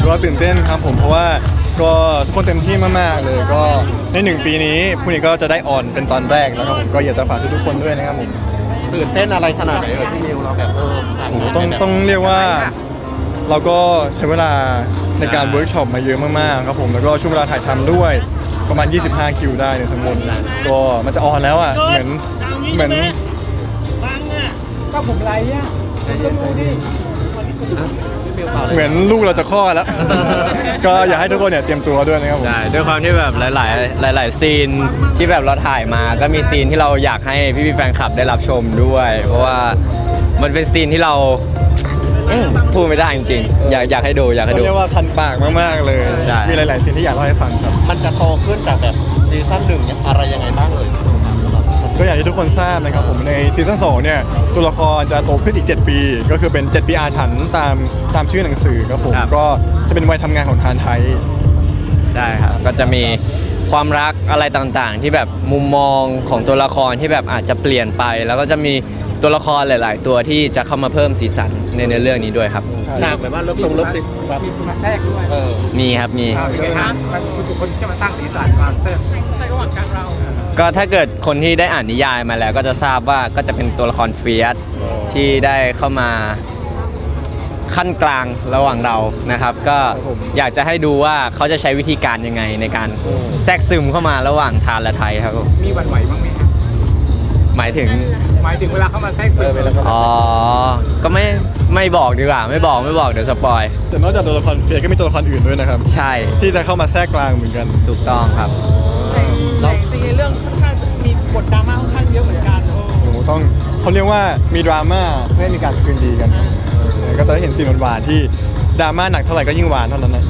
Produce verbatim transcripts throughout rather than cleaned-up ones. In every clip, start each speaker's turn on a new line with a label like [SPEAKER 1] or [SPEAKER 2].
[SPEAKER 1] ก็ตื่นเต้นครับผมเพราะว่าก็ทุกคนเต็มที่มากๆเลยก็ในหนึ่งปีนี้พรุ่งนี้ก็จะได้ออนเป็นตอนแรกแล้วครับผมก็อยากจะฝากทุกๆคนด้วยนะครับผม
[SPEAKER 2] ตื่นเต้นอะไรขนาดไหนเอ่ยพี่มิวเราแบบเออผ่าน
[SPEAKER 1] โอ้โห
[SPEAKER 2] งาน
[SPEAKER 1] ต้อง
[SPEAKER 2] ไปแบบ
[SPEAKER 1] ต้องเรียกว่าเราก็ใช้เวลาในการเวิร์กช็อปมาเยอะมากๆครับผมแล้วก็ช่วงเวลาถ่ายทำด้วยประมาณยี่สิบห้าคิวได้เนี่ยทั้งหมดก็มันจะออนแล้วอ่ะเหมือนเหมือน
[SPEAKER 3] ฟังอ่ะ
[SPEAKER 4] ก็ผมไรอ่ะต้องดูดิ
[SPEAKER 2] พี่มิวต่อเลย
[SPEAKER 1] เหมือนลูกเราจะคลอดแล้ว ก็อยากให้ทุกคนเนี่ยเตรียมตัวด้วยนะครับผม
[SPEAKER 5] ใช่ด้วยความที่แบบหลาย ๆ หลาย ๆ ซีนที่แบบเราถ่ายมาก็มีซีนที่เราอยากให้พี่ๆแฟนคลับได้รับชมด้วย เพราะว่ามันเป็นซีนที่เราอืมพูดไม่ได้จริงๆอยากอยากให้ดูอยากให้
[SPEAKER 1] ต้อง
[SPEAKER 5] ดู
[SPEAKER 1] เรียกว่าคันปากมากๆเลย
[SPEAKER 5] ใช่
[SPEAKER 1] มีหลายๆซีนที่อยากเล่าให้ฟังครับ
[SPEAKER 2] มันจะโตขึ้นจากแบบซีซั่นหนึ่งเนี่ยอะไรยังไงบ้างเอ่ย
[SPEAKER 1] ก็อย่างที่ทุกคนทราบนะครับผมในซีซั่นสองเนี่ยตัวละครจะโตขึ้นอีกเจ็ดปี ก็คือเป็นเจ็ดปีอาถรรพ์ตามตามชื่อหนังสือครับผมก็จะเป็นวัยทำงานของทานไทย
[SPEAKER 5] ใช่ครับก็จะมีความรักอะไรต่างๆ ที่แบบมุมมองของตัวละครที่แบบอาจจะเปลี่ยนไป แล้วก็จะมีตัวละครหลาย ๆ ตัวที่จะเข้ามาเพิ่มสีสันในเนื้อเรื่องนี้ด้วยครับ
[SPEAKER 2] ฉากแบบว่าลบทรงลบสิแบบ
[SPEAKER 4] มีคนมาแทรกด้วย
[SPEAKER 2] เออ
[SPEAKER 5] มีครับมี
[SPEAKER 4] เอาเป็นไงฮะมันคือคนที่จะมาสร้างสีสันมาเสริม
[SPEAKER 3] ในระหว่างการเรา
[SPEAKER 5] ก็ถ้าเกิดคนที่ได้อ่านนิยายมาแล้วก็จะทราบว่าก็จะเป็นตัวละครเฟียสที่ได้เข้ามาขั้นกลางระหว่างเรานะครับ ก็
[SPEAKER 1] ครับผม
[SPEAKER 5] อยากจะให้ดูว่าเขาจะใช้วิธีการยังไงในการแทรกซึมเข้ามาระหว่างทานและไทยครับผม
[SPEAKER 4] มีหวันไหวบ้างไหมฮะ
[SPEAKER 5] หมายถึง
[SPEAKER 4] หมายถึงเวลาเขามาแทรก
[SPEAKER 2] เอ
[SPEAKER 4] ซึ
[SPEAKER 2] อ
[SPEAKER 4] ม
[SPEAKER 2] เป็นแล้วก็
[SPEAKER 5] อ๋อก็ไม่ไม่บอกดีกว่า ไม่บอกไม่บอกเดี๋ยวสปอย
[SPEAKER 1] แต่นอกจากตัวละครเฟียก็มีตัวละครอื่นด้วยนะครับ
[SPEAKER 5] ใช่
[SPEAKER 1] ที่จะเข้ามาแทรกกลางเหมือนกัน
[SPEAKER 5] ถูกต้องครับ
[SPEAKER 3] แต่จริงๆในเรื่องค่อนข้างจะมีบทดราม่าค่อนข้างเยอะเหมือนกันโอ้
[SPEAKER 1] โอ้โหต้องเขาเรียกว่ามีดราม่าเพื่อให้มีการคืนดีกันก็จะได้เห็นซีนหวานๆที่ดราม่าหนักเท่าไหร่ก็ยิ่งหวานเท่านั้นนะ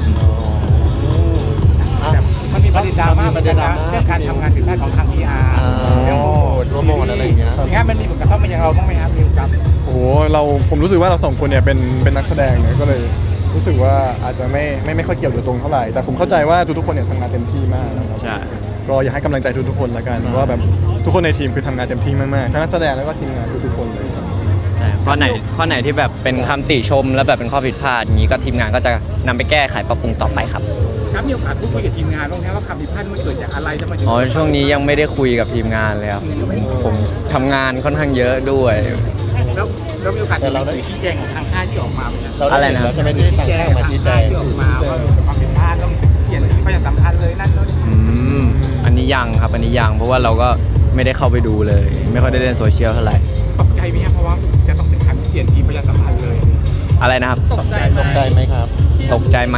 [SPEAKER 4] มันมีประเด็นดราม่าเหมือนกันนะเรื่องการทำงานผิดพลาดของทาง พี อาร์ เรื่องโปรโมท
[SPEAKER 2] โปรโมทอะไรอย่างเงี้ย
[SPEAKER 4] อย่างเงี้ยมันมีผลกระทบมาอย่างเราบ้างไหมครับมิวครับ
[SPEAKER 1] โอ้โหเราผมรู้สึกว่าเราสองคนเนี่ยเป็นเป็นนักแสดงเนี่ยก็เลยรู้สึกว่าอาจจะไม่ไม่ไม่ค่อยเกี่ยวโดยตรงเท่าไหร่แต่ผมเข้าใจว่าทุกๆคนเนี่ยทำงานเต็มที่มากนะครับ
[SPEAKER 5] ใช่
[SPEAKER 1] ก็อยากให้กำลังใจทุกๆคนละกันว่าแบบทุกคนในทีมคือทำงานเต็มที่มากๆทั้งนักแสดงแล้วก็ทีมงานทุกๆคนเลยครับ
[SPEAKER 5] ใช่ข้อไหนข้อไหนที่แบบเป็นคำติชม แล้วแบบเป็นข้อผิดพลาดอย่างนี้ก็ทีมงานก็จะนำไปแก้ไขปรับปรุงต่อไปครับ
[SPEAKER 4] ครับมีโอกาสพูดคุยกับทีมงานบ้างไหมว่าคำผิดพลาดมันเกิดจากอะไรจะมาถึง
[SPEAKER 5] อ๋อช่วงนี้ยังไม่ได้คุยกับทีมงานเลยครับผมทำงานค่อนข้างเยอะด้วย
[SPEAKER 4] แล้วแล้วมีโอกาสจะเราได้ชี้แจงของทางค่ายที่ออกมาไหมครับ
[SPEAKER 2] เรา
[SPEAKER 5] อะไร
[SPEAKER 2] ได้
[SPEAKER 5] นะ
[SPEAKER 2] เห็นแล้วจะไม่ได้สั่ง
[SPEAKER 4] แจ้
[SPEAKER 2] ข้าง งมาชี้แจ
[SPEAKER 4] ค่าย
[SPEAKER 2] ง
[SPEAKER 4] ที่ออกมาว่าความผิดพลาดต้องเขียนที่ประชาสัมพันธ์เลยนั่นนู่นนี่
[SPEAKER 5] อืมอันนี้ยังครับอันนี้ยังเพราะว่าเราก็ไม่ได้เข้าไปดูเลย ไม่ค่อยได้เล่นโซเชียลเท่าไหร่
[SPEAKER 4] ตกใจไหมครับเพราะว่าจะต้องเป็นการเปลี่ยนทีมประชาสัมพันธ์เลย
[SPEAKER 5] อะไรนะครับ
[SPEAKER 3] ตกใจ
[SPEAKER 2] ตกใจไหมครับ
[SPEAKER 5] ตกใจไหม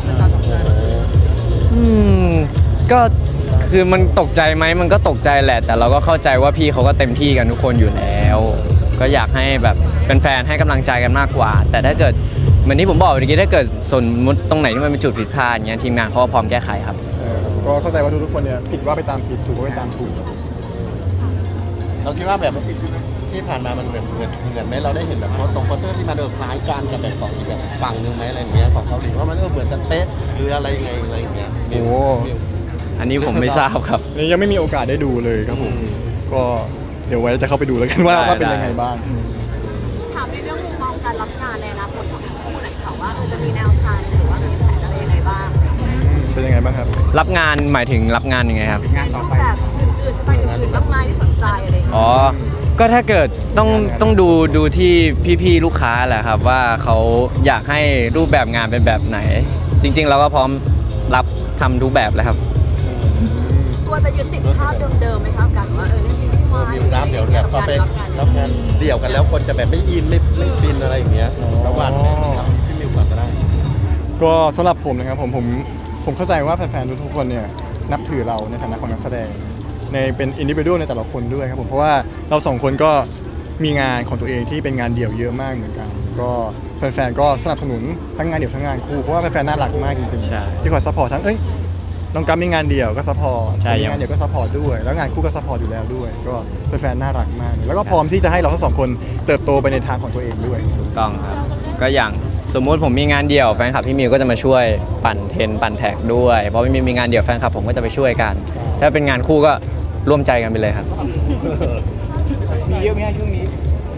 [SPEAKER 5] อืมก็คือมันตกใจไหมมันก็ตกใจแหละ แต่เราก็เข้าใจว่าพี่เขาก็เต็มที่กันทุกคนอยู่แล้ว ก็อยากให้แบบแฟนๆให้กำลังใจกันมากกว่า แต่ถ้าเกิดเหมือนที่ผมบอกเมื่อกี้ถ้าเกิดสมมติตรงไหนที่มันเป็นจุดผิดพลาดอย่างเงี้ยทีมงานเขาก็พร้อมแก้ไขครับ
[SPEAKER 1] เออก็เข้าใจว่าทุกๆคนเนี่ยผิดว่าไปตามผิดถูกว่าไปตามถูก
[SPEAKER 2] เราคิดว่าแบบที่ผ่านมามันเหมือนเหมือนเหมือนไหมเราได้เห็นแบบโพสต์ทรงโพสเตอร์ที่มันเออคล้ายกันกับแบบของอีกแบบฝั่งหนึ่งไหมอะไรอย่างเงี้ยของเกาหลีว่ามันเออเหมือนกันเป๊ะหรืออะไรยังไงอะไรอย่างเงี้ย
[SPEAKER 1] โอ้
[SPEAKER 2] มิว
[SPEAKER 5] อันนี้ผมไม่ทราบครับ
[SPEAKER 1] นี่ยังไม่มีโอกาสได้ดูเลยครับผมก็เดี๋ยวไว้จะเข้าไปดูแล้วกันว่า
[SPEAKER 5] ได้
[SPEAKER 1] ว่าเป็น
[SPEAKER 5] ได้
[SPEAKER 1] ยังไงบ้าง
[SPEAKER 6] ถามในเรื่องมุมมองการรับงานในอนาคตของทั้งคู่หน่อยค่ะว่าเออจะมีแนวทางหรือว่ามีแผนอะไรยังไงบ้าง
[SPEAKER 1] เป็นยังไงบ้างครับ
[SPEAKER 5] รับงานหมายถึงรับงานยังไงครับ
[SPEAKER 4] งานต่อไป
[SPEAKER 6] แบบอื่นๆสไตล์อื่นๆมากมายที่สนใจอะไรอย่างเงี้ย
[SPEAKER 5] อ๋อ ก็ถ้าเกิดต้องต้องดูดูที่พี่ๆลูกค้าแหละครับว่าเขาอยากให้รูปแบบงานเป็นแบบไหน จริง ๆ เราก็พร้อมรับทำทุกแบบเลยครับ
[SPEAKER 6] กลัวจะยึดติดภาพเดิมๆไหมครับกันว่าเออเล่นซีรีส์วาย
[SPEAKER 2] มิวรับเดี๋ยวแบบพอไปรับงานเดี่ยวกันแล้วคนจะแบบไม่อินไม่ไม่ฟินอะไรอย่างเงี้ยระหว่างครับพี่มิวก่อนก็ได้
[SPEAKER 1] ก็สำหรับผมนะครับผมผมผมเข้าใจว่าแฟนๆทุกๆคนเนี่ยนับถือเราในฐานะของนักแสดงในเป็นอินดิวิ u a l ในแต่ละคนด้วยครับผมเพราะว่าเราสองคนก็มีงานของตัวเองที่เป็นงานเดี่ยวเยอะมากเหมือนกัน ก็แฟนๆก็สนับสนุนทั้งงานเดี่ยวทั้งงานคู่เพราะว่าแฟนๆน่ารักมากจริง
[SPEAKER 5] ใช่
[SPEAKER 1] ๆที่คอยซัพพอร์ตทั้งเอ้ยน้องกัมมีงานเดี่ยวก็ซัพพอร์ต
[SPEAKER 5] ใช่
[SPEAKER 1] มีงานเดี่ยวก็ซัพพอร์ตด้วยแล้วงานคู่ก็ซัพพอร์ตอยู่แล้วด้วย ก็แฟนๆน่ารักมาก แล้วก็พร้อมที่จะให้เราทั้งสองคนเติบโตไปในทางของตัวเองด้วย
[SPEAKER 5] ถูกต้องครับ ก็อย่างสมมุติผมมีงานเดี่ยวแฟนคลับพี่มิวก็จะมาช่วยปั่นเทรนปั่นแท็กด้วยเพราะพี่มิวมีงานเดี่ยวแฟนคลับผมก็จะไปช่วยกัน ถ้าเป็นงานคู่ก็ร่วมใจกันไปเลยครับ
[SPEAKER 4] มีเยอะไหมฮะช่วงนี้
[SPEAKER 3] งานคู่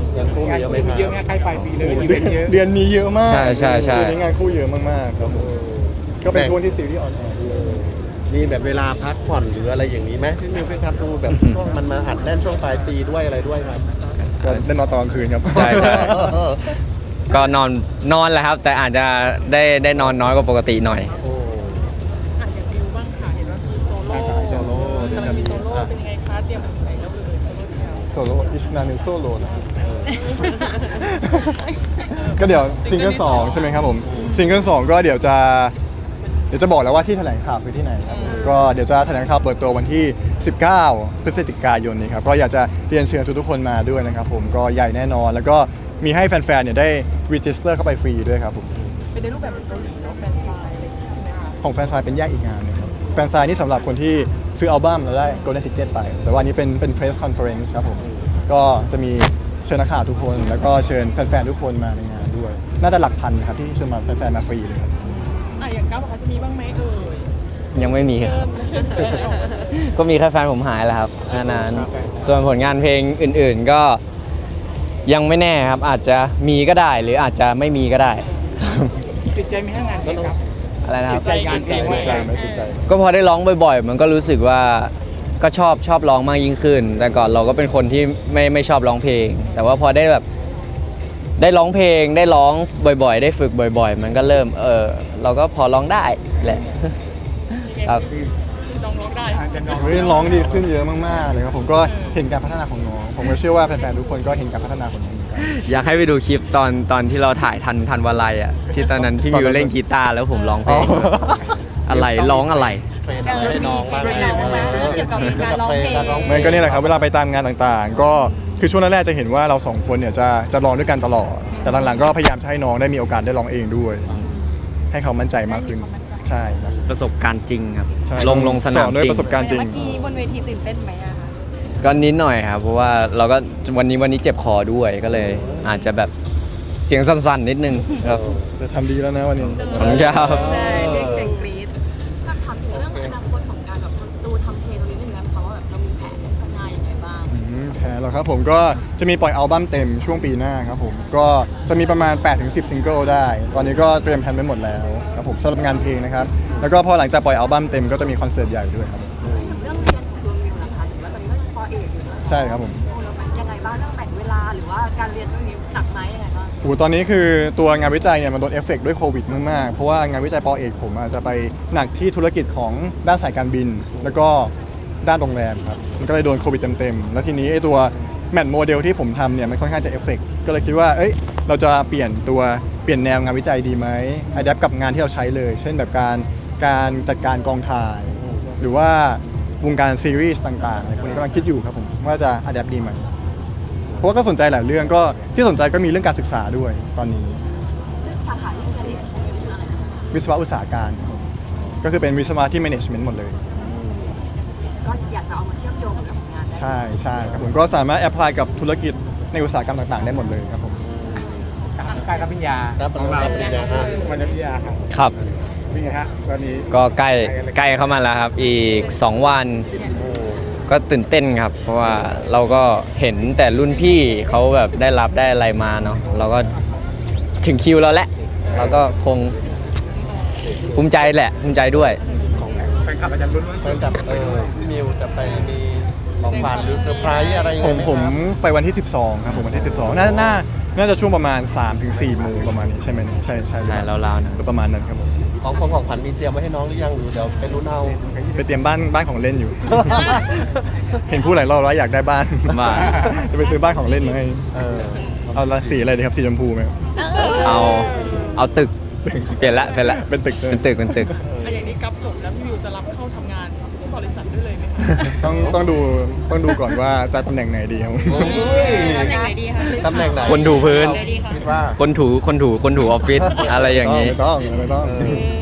[SPEAKER 2] ยังคู่มี
[SPEAKER 4] งาน
[SPEAKER 2] เยอะไหม
[SPEAKER 4] คู่
[SPEAKER 2] ค
[SPEAKER 4] มีเยอะไหม
[SPEAKER 2] รับ
[SPEAKER 4] ใกล้ปลายปีเลย
[SPEAKER 1] โอ้โห
[SPEAKER 4] อี
[SPEAKER 1] เดื
[SPEAKER 4] เว
[SPEAKER 1] อน
[SPEAKER 4] นต์เยอะ
[SPEAKER 1] เดือนนี้เยอะมาก
[SPEAKER 5] ใช่ใช่ใช่
[SPEAKER 1] เดือนนี้งานคู่เยอะมากๆครับผมก็เป็นช่วงที่ซีรีส์ออนแอร์ด้วย
[SPEAKER 2] มีแบบเวลาพักผ่อนหรืออะไรอย่างนี้ไหมพี่มิวพี่ครับดูแบบช่วงมันมาอัดแน่นช่วงปลายปีด้วยอะไรด้วยครับ
[SPEAKER 1] ก็ได้นอนตอนกลางคืนครับ
[SPEAKER 5] ใช่ใช่ ก็นอนนอนแหละครับ แต่อาจจะได้ได้นอนน้อยกว่าปกติหน่อย
[SPEAKER 2] โอ้
[SPEAKER 3] อ่ะอย่างดิวบ้างค่ะเห็นว่ามีโซโล่
[SPEAKER 2] โซโล่
[SPEAKER 3] กำลังมีโซโล่เป็นยังไงคะเตรียมไหนแล้วเลยโซโล่เดียว
[SPEAKER 1] โซโล่อิชนาเนโซโลนะครับก็เดี๋ยวซิงเกิลสองใช่ไหมครับผมซิงเกิลสองก็เดี๋ยวจะเดี๋ยวจะบอกแล้วว่าที่แถลงข่าวคือที่ไหนครับก็เดี๋ยวจะแถลงข่าวเปิดตัววันที่ สิบเก้า พฤศจิกายนนี้ครับก็อยากจะเรียนเชิญทุกๆคนมาด้วยนะครับผมก็ใหญ่แน่นอน แล้วก็มีให้แฟนๆเนี่ยได้รีจิสเตอร์เข้าไปฟรีด้วยครับผม
[SPEAKER 3] เป็นในรูปแบบเกาหลีเนาะแฟนไซน์อะไรอย่างงี้ใช่ไหมคะ
[SPEAKER 1] ของแฟนไซน์เป็นแยกอีกงานหนึงครับแฟนไซน์นี่สำหรับคนที่ซื้ออัลบั้มแล้วได้ Golden Ticket ไป แต่ว่าอันนี้เป็นเป็น Press Conference ครับผมก็จะมีเชิญนักข่าวทุกคน แล้วก็เชิญแฟนๆทุกคนมาในงานด้วย น่าจะหลักพันครับที่เชิญมาแฟนๆมาฟรีเลยครับ
[SPEAKER 3] อ่ะอย่างก้าวเขาจะมีบ้างไหมเอ่ย
[SPEAKER 5] ยังไม่มีครับ
[SPEAKER 3] เริ่ม
[SPEAKER 5] ก็มีแค่แฟนผมหายแหล้วครับแค่นั้นส่วนผลงานเพลงอื่นๆก็ยังไม่แน่ครับ อาจจะมีก็ได้ หรืออาจจะไม่มีก็ได้
[SPEAKER 4] ติดใจไหมฮะงานเพลงครับ
[SPEAKER 5] อะไรนะค
[SPEAKER 4] ติ
[SPEAKER 5] รั
[SPEAKER 4] ด
[SPEAKER 5] บ
[SPEAKER 4] ใจงานเพลงไหม
[SPEAKER 1] ติดใจไหมติดใจ
[SPEAKER 5] ก็พอได้ร้องบ่อยๆ มันก็รู้สึกว่าก็ชอบชอบร้องมากยิ่งขึ้น แต่ก่อนเราก็เป็นคนที่ไม่ไม่ชอบร้องเพลง แต่ว่าพอได้แบบได้ร้องเพลงได้ร้องบ่อยๆ ได้ฝึกบ่อยๆ มันก็เริ่มเออเราก็พอร้องได้แหละ ครับ
[SPEAKER 3] น้องร้องได้
[SPEAKER 4] อาจจะน้อง
[SPEAKER 1] เฮ้ยร้องดีขึ้นเยอะมากๆเลยครับผมก็เห็นการพัฒนาของน้องผมก็เชื่อว่าแฟนๆทุกคนก็เห็นการพัฒนาของน้องเหมือนกัน
[SPEAKER 5] อยากให้ไปดูคลิปตอนตอนที่เราถ่ายทันทันวลัยอ่ะที่ตอนนั้นพี่มิวเล่นกีตาร์แล้วผมร้องเพลงอะไรร้องอะไร
[SPEAKER 2] เทรนอะไรให้น้องบ้าง
[SPEAKER 6] ให้น้องบ้างเรื่องเกี่ยวกับการร้องเพลง
[SPEAKER 1] ไม่ก็นี่แหละครับเวลาไปตามงานต่างๆ ก็คือช่วงแรกๆจะเห็นว่าเราสองคนเนี่ยจะจะร้องด้วยกันตลอด แต่หลังๆก็พยายามจะให้น้องได้มีโอกาสได้ร้องเองด้วย ให้เขามั่นใจมากขึ้นใช่ครับ
[SPEAKER 5] ประสบการณ์จริงครับ
[SPEAKER 1] ใช่
[SPEAKER 5] ลงลงสนาม
[SPEAKER 1] อนด้วย
[SPEAKER 5] จริง
[SPEAKER 1] ประสบการณ์จริง
[SPEAKER 6] เมื่อกี้บนเวทีตื่นเต้นไหมอะคะ
[SPEAKER 5] ก็นิดหน่อยครับเพราะว่าเราก็วันนี้วันนี้เจ็บคอด้วยก็เลย อาจจะแบบเสียงสั่นๆนิดนึงครับ
[SPEAKER 1] จะทำดีแล้วนะวันนี้
[SPEAKER 5] ขอบคุณครับ
[SPEAKER 6] ใช่เรียกเสียงกรี๊ดก็ถามถึงเรื่องอนาคตของการแบบดูทำเพลงตรงนี้นิดนึงนะคะว่าแบบเรามีแผนข้างหน้ายังไงบ้าง
[SPEAKER 1] อืมแพ้แล้วครับผมก็จะมีปล่อยอัลบั้มเต็มช่วงปีหน้าครับผมก็จะมีประมาณ แปดถึงสิบ ซิงเกิลได้ ตอนนี้ก็เตรียมแผนไว้หมดแล้วครับผมสำหรับงานเพลงนะครับแล้วก็พอหลังจากปล่อยอัลบั้มเต็มก็จะมีคอนเสิร์ตใหญ่ด้วยครับ
[SPEAKER 6] เรื่องเรียนของดวงวิวนะคะถือว่าตอนนี้ก็ปอเอกอยู่นะ
[SPEAKER 1] ใช่ครับผม
[SPEAKER 6] แล้วมันยังไงบ้างเรื่องแบ่งเวลาหรือว่าการเรียนเรื่องนี้หนักไหมยังไงบ้าง
[SPEAKER 1] โอ้โหตอนนี้คือตัวงานวิจัยเนี่ยมันโดนเอฟเฟกต์ด้วยโควิดมากๆ เพราะว่างานวิจัยปอเอกผมอาจจะไปหนักที่ธุรกิจของด้านสายการบิน แล้วก็ด้านโรงแรมครับ มันก็เลยโดนโควิดเต็มๆ แล้วทีนี้ไอ้ตัวแมทโมเดลที่ผมทำเนี่ยมันค่อนข้างจะเอฟเฟกต์ก็เลยคิดว่า เอ้ย เราจะเปลี่ยนตัวเปลี่ยนแนวงานวิจัยดีไหมอัดแอปกับงานที่เราใช้เลย เช่นแบบการการจัดการกองถ่าย หรือว่าวงการซีรีส์ต่างๆอะไรพวกนี้กำลังคิดอยู่ครับผมว่าจะอัดแอปดีไหมเพราะว่าก็สนใจหลายเรื่องก็ที่สนใจก็มีเรื่องการศึกษาด้วยตอนนี้
[SPEAKER 6] ซึ่งสาขาที่คุณเรียนของเป็นอะไรนะคะ
[SPEAKER 1] วิศวะอุตสาหการครับผมก็คือเป็นวิศวะที่ management หมดเลย
[SPEAKER 6] ก็อยากจะเอามาเชื่อมโยงกับงานได้
[SPEAKER 1] ใช่ใช่ครับผมก็สามารถแอพพลายกับธุรกิจในอุตสาหกรรมต่างๆ ได้หมดเลยครับผม
[SPEAKER 4] การรับปริญญา
[SPEAKER 2] รับปริญญา
[SPEAKER 4] ของ
[SPEAKER 2] ปริญญา
[SPEAKER 4] วันรับปริญญาครับ
[SPEAKER 5] ครับ
[SPEAKER 4] เป็นไงฮะตอนนี้
[SPEAKER 5] ก็ใกล้ใกล้เข้ามาแล้วครับ อีก สอง วัน ก็ตื่นเต้นครับ เพราะว่าเราก็เห็นแต่รุ่นพี่เขาแบบได้รับได้อะไรมาเนาะเราก็ถึงคิวเราแหละ เราก็คงภูมิใจแหละภูมิใจด้วย
[SPEAKER 4] แฟนคลับอาจารย์รุ่นว่า
[SPEAKER 2] เพื่อนกับเออพี่มิวจะไปมีของขวัญหรือเซอร์ไพรส์อะไรยัง
[SPEAKER 1] ผ
[SPEAKER 2] ไง
[SPEAKER 1] ม
[SPEAKER 2] ไห
[SPEAKER 1] ผม
[SPEAKER 2] ครับ
[SPEAKER 1] ไปวันที่ สิบสอง ครับผมวันที่ สิบสอง น่าน่าน่าจะช่วงประมาณ สามถึงสี่โมงประมาณนี้ใช่ไหมเนี่ยใช่ใช่
[SPEAKER 5] ใช่ราวๆนะ
[SPEAKER 1] ประมาณนั้นครับผม
[SPEAKER 2] ของของของขวัญมีเตรียมไว้ให้น้องหรือยังหรือเดี๋ยวไปรุ่นเอา
[SPEAKER 1] ไปเตรียมบ้านบ้านของเล่นอยู่ เห็นพูดหลายรอบแล้วอยากได้บ้าน
[SPEAKER 5] บ้าน
[SPEAKER 1] จะไปซื้อบ้านของเล่นมาให้
[SPEAKER 2] เออ
[SPEAKER 1] เอาละสีอะไรดีครับสีชมพูไหมครับ
[SPEAKER 5] เอาเอาตึกเปลี่ยนละเปลี่ยนละ
[SPEAKER 1] เป็นตึกเลย
[SPEAKER 5] เป็นตึกเป็นตึก
[SPEAKER 3] อ่ะอย่างนี้กับจบแล้วพี่วิวจะรับเข้าทำงานที่บริษัทด้วยเลยไหมคะ
[SPEAKER 1] ต้องต้องดูต้องดูก่อนว่าจะตำแหน่งไหนดีครับ
[SPEAKER 2] โอ้ย
[SPEAKER 6] ตำแหน่งไหนดีคะ
[SPEAKER 2] ตำแหน่งไหน
[SPEAKER 5] คนถูพื้น
[SPEAKER 2] คิดว่า
[SPEAKER 5] คนถูคนถูคนถูออฟฟิศอะไรอย่าง
[SPEAKER 1] นี้
[SPEAKER 5] นี้
[SPEAKER 1] ไม่ต้องไม่ต้อง
[SPEAKER 2] เออ